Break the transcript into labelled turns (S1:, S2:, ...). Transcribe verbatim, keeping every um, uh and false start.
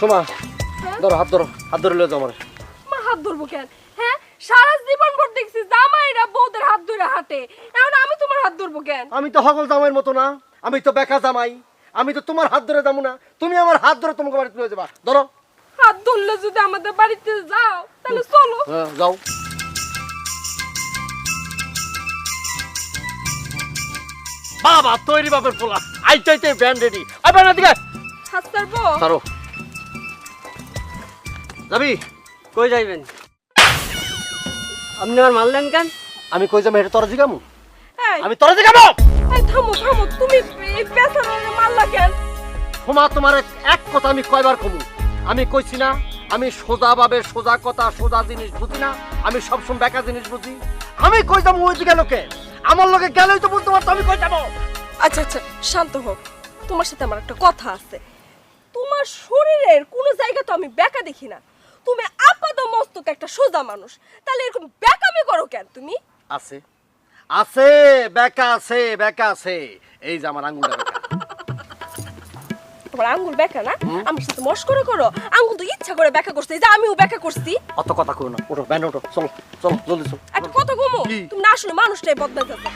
S1: সোমা ধরো হাত ধরো হাত ধরে লয়ে যাও আমার
S2: মা হাত ধরবো কেন? হ্যাঁ, সারা জীবন ভর দেখছি জামাইরা বউদের হাত ধরে হাঁটে, এখন আমি তোমার হাত ধরবো কেন?
S1: আমি তো হগল জামাইয়ের মতো না, আমি তো বেকা জামাই, আমি তো তোমার হাত ধরে যাবো না, তুমি আমার হাত ধরে তোমাকে বাড়িতে লয়ে যাবা। ধরো
S2: হাত ধরলে যদি আমাদের বাড়িতে যাও তাহলে চলো।
S1: হ্যাঁ যাও। বাবা তৈরি বাপের পোলা আইটাইতে ব্যান্ড রেডি। আই ব্যান্ড দিকে
S2: হাত ছাড়বো?
S1: ধরো যাবি
S3: কই যাইবেন? আপনি আমার মারলেন কেন?
S1: আমি কই যাবো এটা তোরা জিগামু?
S2: এই,
S1: আমি তোরা জিগামু?
S2: এই থামো থামো, তুমি এই বেচারারে মারলা কেন?
S1: হোমা তোমার এক- এক কথা আমি কয়বার কমু, আমি কইছি না আমি সোজা ভাবে সোজা কথা সোজা জিনিস বুঝি না, আমি সবসময় বেকা জিনিস বুঝি। আমি কই যাবো ওই দিকে লোকে আমার লোকে গেলেই তো বুঝতে পারতো আমি কই যাবো।
S2: আচ্ছা আচ্ছা শান্ত হোক, তোমার সাথে আমার একটা কথা আছে। তোমার শরীরের কোনো জায়গা তো আমি বেঁকা দেখি না, তুমি আপাত মস্তক একটা সোজা মানুষ, তাহলে এরকম বেঁকামি করো কেন তুমি?
S1: আছে আছে বেকা আছে বেকা আছে, এই যে আমার আঙ্গুলটা বেকা।
S2: তোমার আঙ্গুল বেঁকা না? আমার সাথে মস্করা করো, আঙ্গুল তো ইচ্ছা করে বেঁকা করছে, এই যে আমিও বেঁকা করছি।
S1: অত কথা কই না, ওঠো ব্যান্ড ওঠো, চলো চলো জলদি চলো।
S2: একটা কথা কমো,
S1: কি?
S2: তুমি না আসলে মানুষটাই বদলাইতেছে।